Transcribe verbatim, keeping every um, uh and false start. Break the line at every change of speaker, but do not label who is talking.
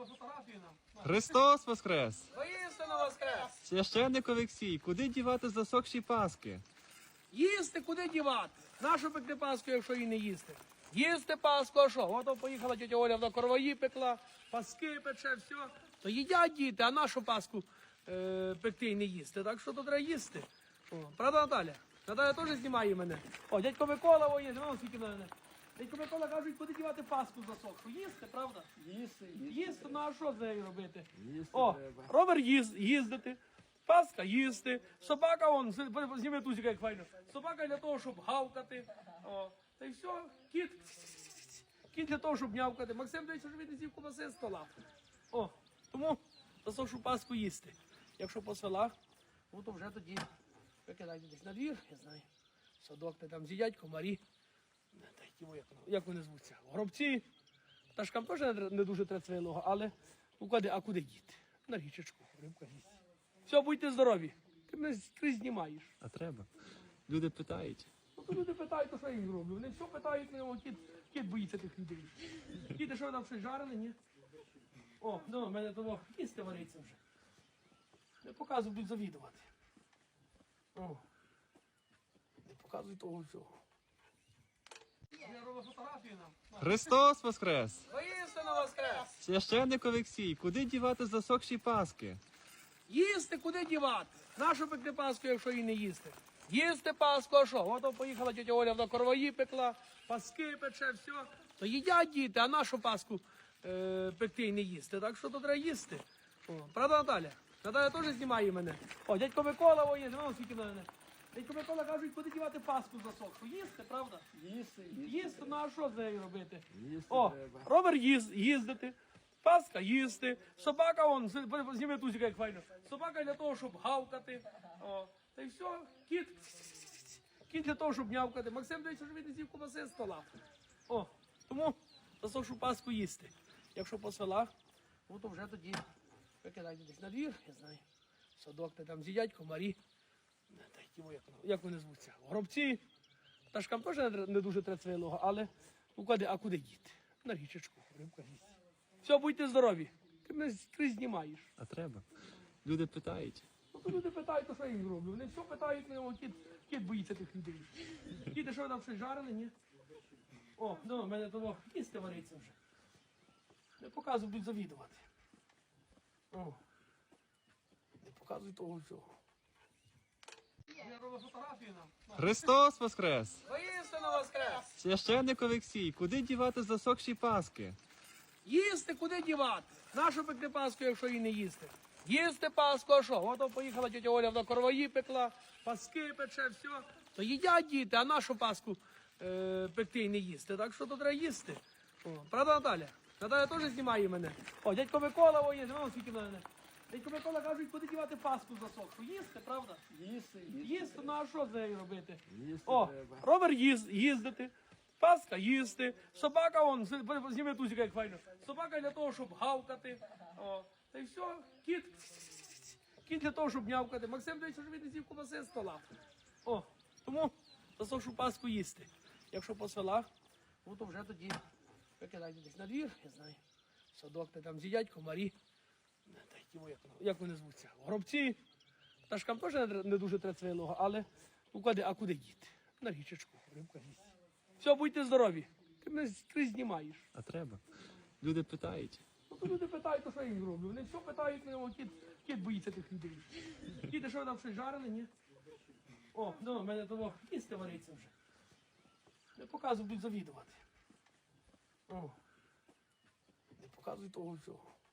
фотографії нам.
Христос Воскрес!
Воістину воскрес!
Священник Олексій, куди дівати засохші паски?
Їсти куди дівати? Нашу пекти паску, якщо її не їсти? Їсти паску, а що? Ото поїхала тетя Оля на короваї пекла, паски пече, все. То їдять діти, а нашу паску е, пекти і не їсти. Так що то треба їсти. О, правда, Наталя? Наталя теж знімає мене. О, дядько Микола, о, є, знімав скільки на мене. Дядько Микола кажуть, куди дівати паску засохшу. Їсти, правда?
Їсти,
Їсти, ну а що з нею робити?
Їсти
О,
треба.
ровер їз, їздити, паска їсти, собака, он, зніми тузика, як файно. Собака для того, щоб гавкати. О, та й все, кіт, кіт для того, щоб нявкати. Максим, дивіться, що він не з'їв кубаси з стола. О, тому засохшу паску їсти. Якщо по селах, ну, то вже тоді викидайте десь на двір, я знаю. Садок, та там з'їдять комарі. Та й ті, як, як вони звуться? Горобці. Пташкам теж не, не дуже треба цвілого, але ну, куди, а куди діти? На річечку, рибка їсть. Все, будьте здорові. Ти мене скрізь знімаєш.
А треба. Люди питають.
Ну, то люди питають, то що я їм роблю. Вони все питають, ну, кіт, кіт боїться тих людей. Кіти, що ви там щось жарили, ні? О, ну, в мене того їсти вариться вже. Не показуй, будуть завідувати. О, не показуй того всього. Я роблю фотографії нам.
Христос Воскрес!
Воістину воскрес!
Священник Олексій, куди дівати засохші паски?
Їсти куди дівати? Нашу пекти паску, якщо її не їсти? Їсти паску, а що? Ото поїхала тетя Оля на короваї пекла, паски пече, все. То їдять діти, а нашу паску е, пекти і не їсти. Так що то треба їсти. О, правда, Наталя? Наталя теж знімає мене. О, дядько Микола, о, є, знімав скільки на мене. Дядько Микола кажуть, куди дівати паску засохшу. Їсти, правда?
Їсти,
Їсти, ну а що з нею робити?
Їсти
О,
треба.
ровер їз, їздити, паска їсти, собака, он, зніми тузика, як файно. Собака для того, щоб гавкати. О, та й все, кіт, кіт для того, щоб нявкати. Максим, дивіться, що він не з'їв кубаси з стола. О, тому засохшу паску їсти. Якщо по селах, ну, то вже тоді викидайте десь на двір, я знаю. Садок, та там з'їдять комарі. Та й ті, як, як вони звуться? Горобці. Пташкам теж не, не дуже треба цвілого, але ну, куди, а куди діти? На річечку, рибка їсть. Все, будьте здорові. Ти мене скрізь знімаєш.
А треба. Люди питають.
Ну, то люди питають, то що я їм роблю. Вони все питають, ну, кіт, кіт боїться тих людей. Кіти, що ви там щось жарили, ні? О, ну, в мене того їсти вариться вже. Не показуй, будуть завідувати. О, не показуй того всього. Я роблю фотографії нам.
Христос Воскрес!
Воістину воскрес!
Священник Олексій, куди дівати засохші паски?
Їсти куди дівати? Нашу пекти паску, якщо її не їсти? Їсти паску, а що? Ото поїхала тетя Оля на короваї пекла, паски пече, все. То їдять діти, а нашу паску е, пекти і не їсти. Так що то треба їсти. О, правда, Наталя? Наталя теж знімає мене. О, дядько Микола, о, є, знімав скільки на мене. Дядько Микола кажуть, куди дівати паску засохшу. Їсти, правда?
Їсти,
Їсти, ну а що з нею робити?
Їсти
О,
треба.
ровер їз, їздити, паска їсти, собака, он, зніми тузика, як файно. Собака для того, щоб гавкати. О, та й все, кіт, кіт для того, щоб нявкати. Максим, дивіться, що він не з'їв кубаси з стола. О, тому засохшу паску їсти. Якщо по селах, ну, то вже тоді викидайте десь на двір, я знаю. Садок, та там з'їдять комарі. Та й ті, як, як вони звуться? Горобці. Пташкам теж не, не дуже треба цвілого, але ну, куди, а куди діти? На річечку, рибка їсть. Все, будьте здорові. Ти мене скрізь знімаєш.
А треба. Люди питають.
Ну, то люди питають, то що я їм роблю. Вони все питають, ну, кіт, кіт боїться тих людей. Кіти, що ви там щось жарили, ні? О, ну, в мене того їсти вариться вже. Не показуй, будуть завідувати. О, не показуй того всього.